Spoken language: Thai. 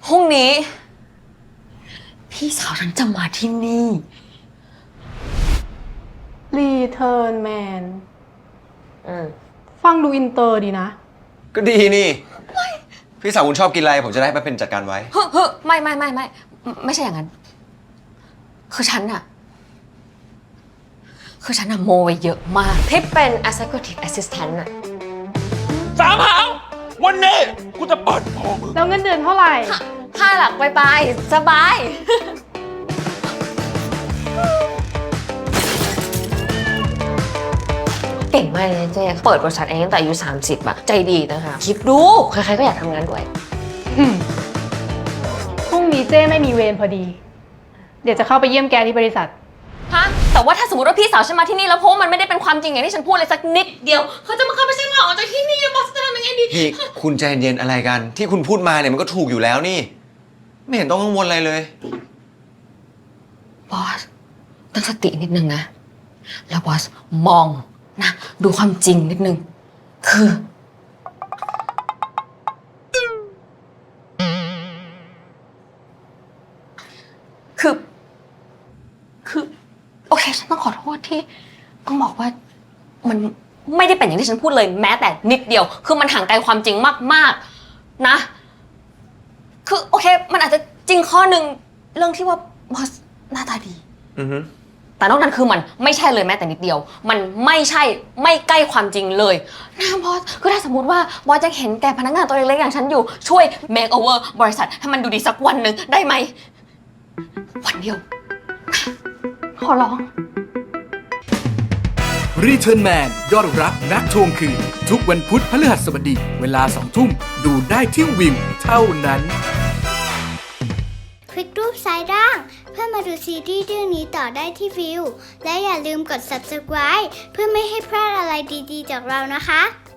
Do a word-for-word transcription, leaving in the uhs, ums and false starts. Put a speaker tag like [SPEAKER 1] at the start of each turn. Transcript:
[SPEAKER 1] รุ่งนี้พี่สาวฉันจะมาที่นี่
[SPEAKER 2] Return Man
[SPEAKER 1] อืม
[SPEAKER 2] ฟังดูอินเตอร์ดีนะ
[SPEAKER 3] ก็ดีนี่พี่สาวคุณชอบกินอะไรผมจะได้ไปเป็นจัดการไว้
[SPEAKER 1] เฮ้ยเฮ้ยไม่ไม่ไม่ไม่ไม่ใช่อย่างนั้นคือฉันอะคือฉันอะโมไว้เยอะมากที่เป็น executive assistant อะ
[SPEAKER 4] สามหางวันนี้กูจะเปิดโปง
[SPEAKER 2] แล้วเงินเดือนเท่าไหร่
[SPEAKER 1] ห้าหลักไปไปสบาย เก่งมากเลยเจ๊เปิดบริษัทเองตั้งแต่อายุสามสิบอะใจดีนะคะคิดดูใครๆก็อยากทำงานด้วย
[SPEAKER 2] พรุ่งนี้เจ้ไม่มีเวรพอดี เดี๋ยวจะเข้าไปเยี่ยมแกที่บริษัท
[SPEAKER 1] ฮะ แต่ว่าถ้าสมมติว่าพี่สาวฉันมาที่นี่แล้วเพราะว่ามันไม่ได้เป็นความจริงอย่างที่ฉันพูดเลยสักนิดเดียวเขาจะมาเข้าไปฉันออกจากที่นี่บอสจะทำยังไงดี
[SPEAKER 3] พี่คุณใจเย็นอะไรกัน ที่คุณพูดมาเนี่ยมันก็ถูกอยู่แล้วนี่ ไม่เห็นต้องกังวลอะไรเลย
[SPEAKER 1] บอสตั้งสตินิดนึงนะแล้วบอสมองนะดูความจริงนิดนึงคือ คือ คือ โอเค ฉันต้องขอโทษที่ต้องบอกว่ามันไม่ได้เป็นอย่างที่ฉันพูดเลยแม้แต่นิดเดียว คือมันห่างไกลความจริงมากๆนะ คือโอเค มันอาจจะจริงข้อหนึ่งเรื่องที่ว่าบอสหน้าตาดี
[SPEAKER 3] อือฮึ
[SPEAKER 1] แต่นอกนั้นคือมันไม่ใช่เลยแม้แต่นิดเดียว มันไม่ใช่ไม่ใกล้ความจริงเลยนะบอส คือถ้าสมมติว่าบอสจะเห็นแก่พนักงานตัวเล็กๆอย่างฉันอยู่ช่วย make over บริษัทให้มันดูดีสักวันหนึ่งได้ไหม วันเดียว ขอร้อง
[SPEAKER 5] Return Man ยอดรักนักทวงคืนทุกวันพุธพฤหัสบดีเวลาสองทุ่มดูได้ที่วิวเท่านั้น
[SPEAKER 6] คลิกรูปซ้ายล่างเพื่อมาดูซีรีส์เรื่องนี้ต่อได้ที่วิวและอย่าลืมกด ซับสไครบ์ เพื่อไม่ให้พลาดอะไรดีๆจากเรานะคะ